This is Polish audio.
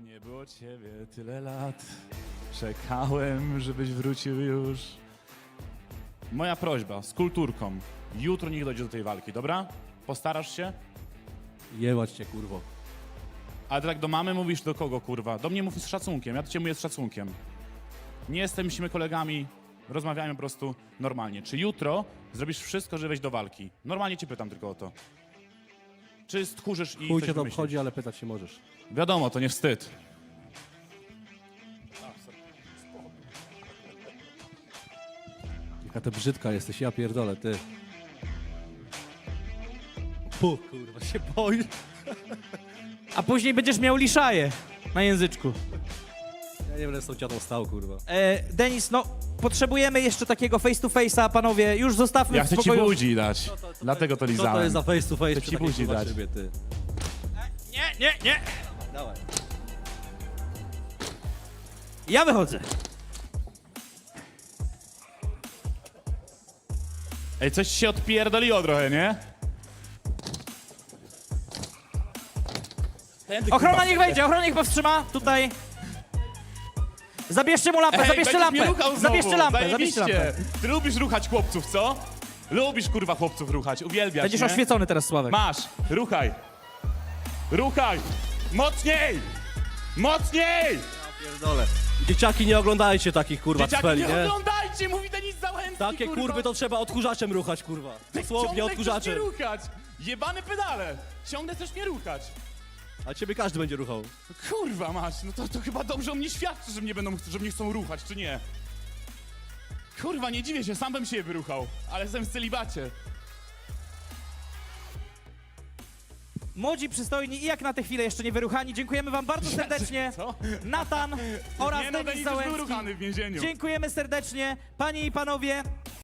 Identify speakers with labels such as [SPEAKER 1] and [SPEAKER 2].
[SPEAKER 1] Nie było ciebie tyle lat, czekałem, żebyś wrócił już. Moja prośba, z kulturką, jutro niech dojdzie do tej walki, dobra? Postarasz się?
[SPEAKER 2] Jebać cię, kurwo.
[SPEAKER 1] Ale ty tak do mamy mówisz do kogo, kurwa? Do mnie mówisz z szacunkiem, ja do ciebie mówię z szacunkiem. Nie jesteśmy kolegami, rozmawiamy po prostu normalnie. Czy jutro zrobisz wszystko, żeby wejść do walki? Normalnie cię pytam tylko o to. Czy stchórzysz i
[SPEAKER 2] Chuj
[SPEAKER 1] coś
[SPEAKER 2] cię to
[SPEAKER 1] wymyślisz?
[SPEAKER 2] obchodzi, ale pytać się możesz.
[SPEAKER 1] Wiadomo, to nie wstyd.
[SPEAKER 2] Jaka ty brzydka jesteś, ja pierdolę, ty. Pu, kurwa, się boisz?
[SPEAKER 3] A później będziesz miał liszaję na języczku.
[SPEAKER 2] Ja nie będę z tą ciotą stał, kurwa.
[SPEAKER 3] Denis, no potrzebujemy jeszcze takiego face to face'a, panowie. Już zostawmy
[SPEAKER 1] Ja
[SPEAKER 3] w
[SPEAKER 1] chcę ci
[SPEAKER 3] spokoju.
[SPEAKER 1] budzi dać, dlatego to
[SPEAKER 2] Co
[SPEAKER 1] lizałem.
[SPEAKER 2] to jest za face to face
[SPEAKER 1] Chcę
[SPEAKER 2] przy
[SPEAKER 1] ci
[SPEAKER 2] takiej,
[SPEAKER 1] buzi
[SPEAKER 2] kurwa,
[SPEAKER 1] dać.
[SPEAKER 2] szybie, ty?
[SPEAKER 3] Nie.
[SPEAKER 2] Dawaj.
[SPEAKER 3] Ja wychodzę.
[SPEAKER 1] Ej, coś się odpierdoliło trochę, nie? Tędy,
[SPEAKER 3] Ochrona
[SPEAKER 1] kurwa.
[SPEAKER 3] niech wejdzie, ochrona niech powstrzyma. Tutaj. Zabierzcie mu lampę,
[SPEAKER 1] Ej,
[SPEAKER 3] zabierzcie
[SPEAKER 1] będziesz mnie
[SPEAKER 3] lampę.
[SPEAKER 1] ruchał znowu.
[SPEAKER 3] Zabierzcie lampę, zabierzcie
[SPEAKER 1] Zajebiście.
[SPEAKER 3] lampę.
[SPEAKER 1] Ty lubisz ruchać chłopców, co? Lubisz, kurwa, chłopców ruchać, uwielbiasz,
[SPEAKER 3] Będziesz
[SPEAKER 1] nie?
[SPEAKER 3] oświecony teraz, Sławek.
[SPEAKER 1] Masz, ruchaj. Ruchaj. Mocniej! Mocniej!
[SPEAKER 2] Pierdolę. Dzieciaki, nie oglądajcie takich, kurwa,
[SPEAKER 1] Dzieciaki,
[SPEAKER 2] cpeli,
[SPEAKER 1] nie
[SPEAKER 2] nie?
[SPEAKER 1] oglądajcie, mówi Denis Załęcki,
[SPEAKER 2] Takie
[SPEAKER 1] kurwa.
[SPEAKER 2] kurwy to trzeba odkurzaczem ruchać, kurwa.
[SPEAKER 1] Ty
[SPEAKER 2] Dosłownie
[SPEAKER 1] ciągle chcesz
[SPEAKER 2] odkurzaczem.
[SPEAKER 1] mnie ruchać. Jebane pedale. Ciągle chcesz mnie ruchać.
[SPEAKER 2] A ciebie każdy będzie ruchał.
[SPEAKER 1] Kurwa masz, no to chyba dobrze o mnie świadczy, że mnie chcą ruchać, czy nie? Kurwa, nie dziwię się, sam bym się wyruchał, ale jestem w celibacie.
[SPEAKER 3] Młodzi, przystojni i jak na tę chwilę jeszcze nie wyruchani, dziękujemy wam bardzo serdecznie.
[SPEAKER 1] Co?
[SPEAKER 3] Natan oraz
[SPEAKER 1] Nie no,
[SPEAKER 3] Denis
[SPEAKER 1] Denis już był
[SPEAKER 3] Załęcki.
[SPEAKER 1] ruchany w więzieniu.
[SPEAKER 3] Dziękujemy serdecznie. Panie i panowie,